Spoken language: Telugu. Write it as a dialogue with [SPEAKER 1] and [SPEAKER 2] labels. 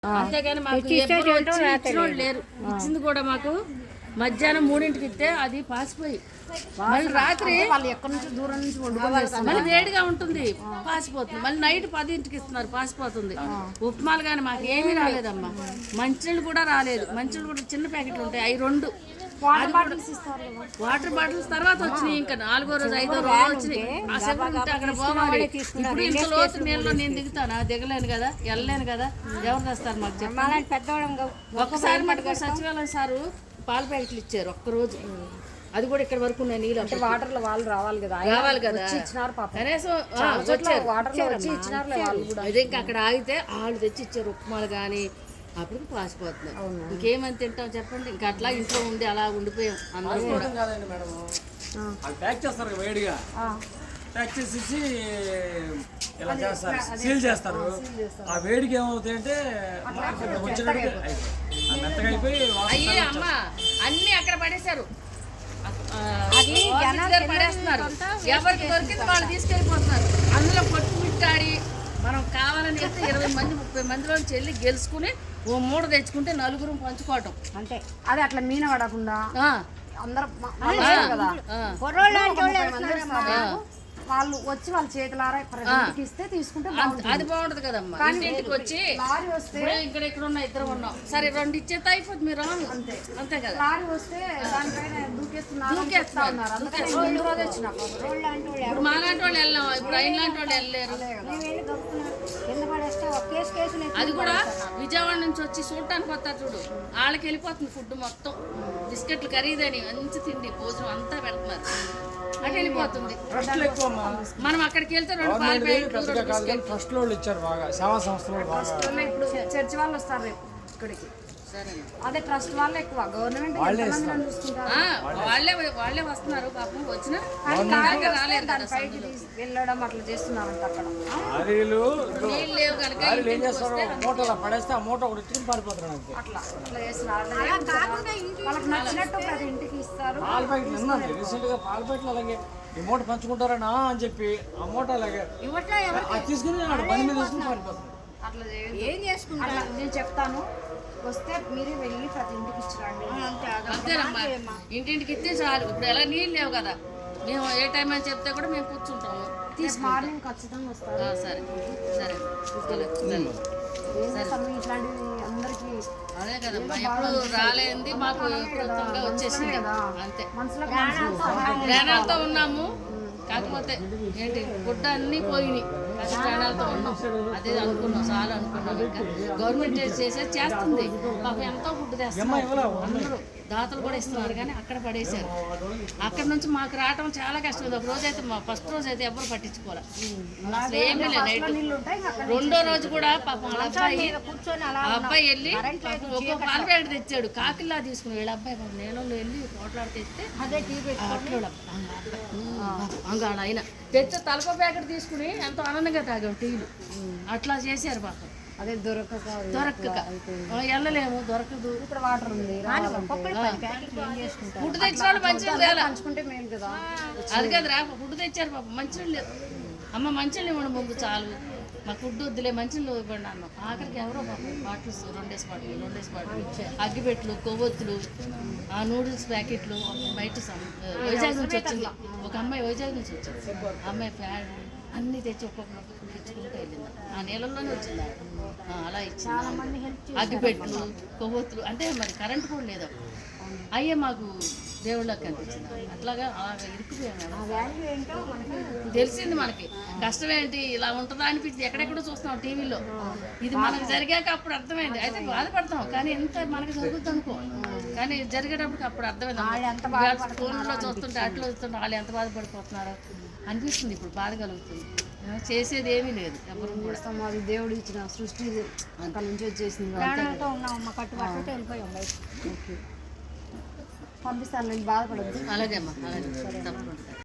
[SPEAKER 1] అంతేగాని మాకు ఎప్పుడు వచ్చి ఇచ్చినోళ్ళు లేరు. ఇచ్చింది కూడా మాకు మధ్యాహ్నం 3ంటికి ఇస్తే అది పాసిపోయి మళ్ళీ రాత్రి
[SPEAKER 2] వాళ్ళు ఎక్కడి నుంచి దూరం నుంచి వండుకోవాలి,
[SPEAKER 1] మళ్ళీ వేడిగా ఉంటుంది పాసిపోతుంది. మళ్ళీ నైట్ 10ంటికి ఇస్తున్నారు పాసిపోతుంది. ఉప్మాలు కానీ మాకు ఏమీ రాలేదమ్మా. మంచినీళ్ళు కూడా రాలేదు. మంచినీళ్ళు కూడా చిన్న ప్యాకెట్లు ఉంటాయి, అవి 2 వాటర్ బాటిల్స్ తర్వాత వచ్చినాయి. ఇంకా 4వ రోజు 5వ రోజు వచ్చినాయి. అక్కడ పోవాలి. ఇప్పుడు ఇంత లోతు నీళ్ళలో నేను దిగుతానా? దిగలేను కదా, వెళ్ళలేను కదా. ఎవరు తెస్తారు మాకు చెప్పాలి. ఒక్కసారి మటుకు సచివాలయం సారు పాల ప్యాకెట్లు ఇచ్చారు ఒక్కరోజు. అది కూడా ఇక్కడ వరకు ఉన్నాయి నీళ్ళు.
[SPEAKER 2] వాటర్ లో వాళ్ళు రావాలి కదా,
[SPEAKER 1] ఇచ్చినారు కనీసం అదే ఇంకా అక్కడ ఆగితే వాళ్ళు తెచ్చి ఇచ్చారు ఉప్మాలు కానీ. అప్పుడు పాసిపోతున్నాయి. ఇంకేమని తింటాం చెప్పండి. ఇంకా అట్లా ఇంట్లో ఉండి అలా ఉండిపోయాం అందరూ కూడా.
[SPEAKER 3] ప్యాక్ చేస్తారు వేడిగా, ప్యాక్ చేసేసి ఇలా చేస్తారు, సీల్ చేస్తారు. ఆ వేడికి ఏమవుతాయి అంటే మెత్తగా అయిపోయి
[SPEAKER 1] అయ్యే అమ్మ అన్ని అక్కడ పడేశారు, పడేస్తున్నారు. ఎవరికి దొరికింది వాళ్ళు తీసుకెళ్ళిపోతున్నారు. అందులో పట్టు మిట్టాడి మనం కావాలని చెప్తే 20 మంది 30 మందిలో వెళ్ళి గెలుచుకుని ఓ మూడ తెచ్చుకుంటే 4గురం పంచుకోవటం
[SPEAKER 2] అంతే. అది అట్లా మీన పడకుండా అందరూ వాళ్ళు వచ్చి వాళ్ళ చేతులారా ఇస్తే తీసుకుంటే
[SPEAKER 1] అది బాగుంటది కదమ్మా. ఇంటికి వచ్చి
[SPEAKER 2] లారీ వస్తే
[SPEAKER 1] ఇక్కడ ఉన్న 2 ఉన్నాం సరే 2 ఇచ్చేస్తే అయిపోతుంది. మీరు అంతే అంతే కదా.
[SPEAKER 2] లారీ వస్తే దానిపైన దూకేస్తున్నారు.
[SPEAKER 1] ఇప్పుడు మాలాంటి వాళ్ళు వెళ్ళాం, ఇప్పుడు అయిన లాంటి వాళ్ళు వెళ్ళలేరు. అది కూడా విజయవాడ నుంచి వచ్చి చూడటానికి వస్తారు చూడు, వాళ్ళకి వెళ్ళిపోతుంది ఫుడ్ మొత్తం. బిస్కెట్లు ఖరీదని మంచి తిండి భోజనం అంతా పెడుతున్నారు, అటు వెళ్ళిపోతుంది. మనం అక్కడికి వెళ్తే 2 పాలు ప్యాకెట్లు
[SPEAKER 3] ట్రస్ట్ లో ఇచ్చారు బాగా, సేవా సంస్థలు.
[SPEAKER 2] ఇప్పుడు చర్చి వాళ్ళు వస్తారు రేపు ఇక్కడికి. అదే ట్రస్ట్ వాళ్ళే ఎక్కువ, గవర్నమెంట్
[SPEAKER 1] వాళ్ళే వస్తున్నారు పాపం. వచ్చిన రాలేదు
[SPEAKER 2] వెళ్ళడం అట్లా చేస్తున్నారంట అక్కడ.
[SPEAKER 1] నీళ్ళు లేవు కనుక
[SPEAKER 3] మూటలో పడేస్తే ఆ మూట ఒకటి ఎత్తుకుని పారిపోతున్నారు.
[SPEAKER 2] అట్లా అట్లా చేస్తున్నారు. వాళ్ళకి నచ్చినట్టు ప్రతి ఇంటికి ఇస్తారు.
[SPEAKER 3] పాల ప్యాకెట్లు విన్నాను రీసెంట్ గా, పాల ప్యాకెట్లు అలాగే ఈ మూట పంచుకుంటారనా అని చెప్పి ఆ మూట అలాగే తీసుకుని బండి మీద తీసుకుని పారిపోతున్నారు.
[SPEAKER 2] అట్లా ఏం చేసుకుంటారు నేను చెప్తాను. వస్తే మీరే వెళ్ళి ప్రతి ఇంటికి ఇచ్చిరండి.
[SPEAKER 1] అంతేనమ్మా, ఇంటింటికి ఇస్తే చాలు. ఇప్పుడు ఎలా నీళ్ళు లేవు కదా, మేము ఏ టైం అని చెప్తే కూడా మేము కూర్చుంటాము.
[SPEAKER 2] మార్నింగ్ ఖచ్చితంగా వస్తారు.
[SPEAKER 1] సరే సరే
[SPEAKER 2] ఇట్లాంటివి అందరికి
[SPEAKER 1] అదే కదమ్మా. ఎప్పుడు రాలేంది మాకు వచ్చేసింది అంతే. ప్రాణాలతో ఉన్నాము, కాకపోతే ఏంటి గుడ్డ అన్నీ పోయినాయి. ప్రాణాలతో ఉన్నాం, అదే అనుకున్నాం, చాలా అనుకున్నాం. ఇంకా గవర్నమెంట్ చేస్తుంది పాపం, ఎంతో ఫుడ్ తెస్తున్నారు. అందరూ దాతలు కూడా ఇస్తున్నారు, కానీ అక్కడ పడేశారు. అక్కడ నుంచి మాకు రావటం చాలా కష్టం. ఒక రోజు అయితే మా ఫస్ట్ రోజు అయితే ఎవరు పట్టించుకోవాలి, అసలు ఏమీ లేదు. నైట్ 2వ రోజు కూడా పాపం వాళ్ళ అబ్బాయి వెళ్ళి ఒక్కో పాల ప్యాకెట్ తెచ్చాడు. కాకిల్లా తీసుకుని వీళ్ళ అబ్బాయి పాపం నీళ్ళలో వెళ్ళి పోట్లాడి తెస్తే అంగాడు ఆయన తెచ్చే తలప ప్యాకెట్ తీసుకుని ఎంతో ఆనందంగా తాగాం టీలు. అట్లా చేశారు పాపం.
[SPEAKER 2] అదే దొరకక
[SPEAKER 1] వెళ్ళలేము, దొరకదు.
[SPEAKER 2] ఇక్కడ వాటర్ ఉంది,
[SPEAKER 1] ఫుడ్ తెచ్చిన వాళ్ళు మంచిగా
[SPEAKER 2] పంచుకుంటే మేలు కదా.
[SPEAKER 1] అది కదరా, ఫుడ్ తెచ్చారు పాపం. మంచినీళ్ళు లేదు అమ్మ, మంచినీళ్ళు ఇవ్వండి ముందు చాలు, మాకు ఫుడ్ వద్దులే మంచినీళ్ళు ఇవ్వండి అన్నాం. ఆఖరికి ఎవరో పాపం బాటిల్స్ 2 బాటిల్ అగ్గిపెట్లు, కొవ్వొత్తులు, ఆ నూడిల్స్ ప్యాకెట్లు బయట వైజాగ్ నుంచి వచ్చింది. ఒక అమ్మాయి వైజాగ్ నుంచి వచ్చింది, అమ్మాయి ప్యాడ్ అన్నీ తెచ్చి ఒక్కొక్కరు తెచ్చుకుంటూ వెళ్ళింది. ఆ నీళ్ళల్లోనే వచ్చింది. అలా ఇచ్చింది. అగ్గిపెట్లు, కొవ్వొత్తులు, అంటే మరి కరెంట్ కూడా లేదు. అయ్యే మాకు దేవుళ్ళకి కనిపించింది. అట్లాగా అలాగా ఇరుక్కుపోయాము. తెలిసింది మనకి కష్టం ఏంటి, ఇలా ఉంటుందా అనిపించింది. ఎక్కడెక్కడో చూస్తున్నాం టీవీలో. ఇది మనకు జరిగాక అప్పుడు అర్థమైంది. అయితే బాధపడతాం, కానీ ఎంత మనకు జరుగుతుంది అనుకో, కానీ జరిగేటప్పుడు అప్పుడు అర్థమైంది. ఫోన్లో చూస్తుంటే అట్లా చూస్తుంటే వాళ్ళు ఎంత బాధపడిపోతున్నారో అనిపిస్తుంది. ఇప్పుడు బాధ కలుగుతుంది. చేసేది ఏమీ లేదు. ఎవరు కూడా
[SPEAKER 2] అది దేవుడు ఇచ్చిన సృష్టి అక్కడ నుంచి వచ్చేసింది. పంపిస్తాను, నేను బాధపడద్దు.
[SPEAKER 1] అలాగే అమ్మా, అలాగే తప్పకుండా.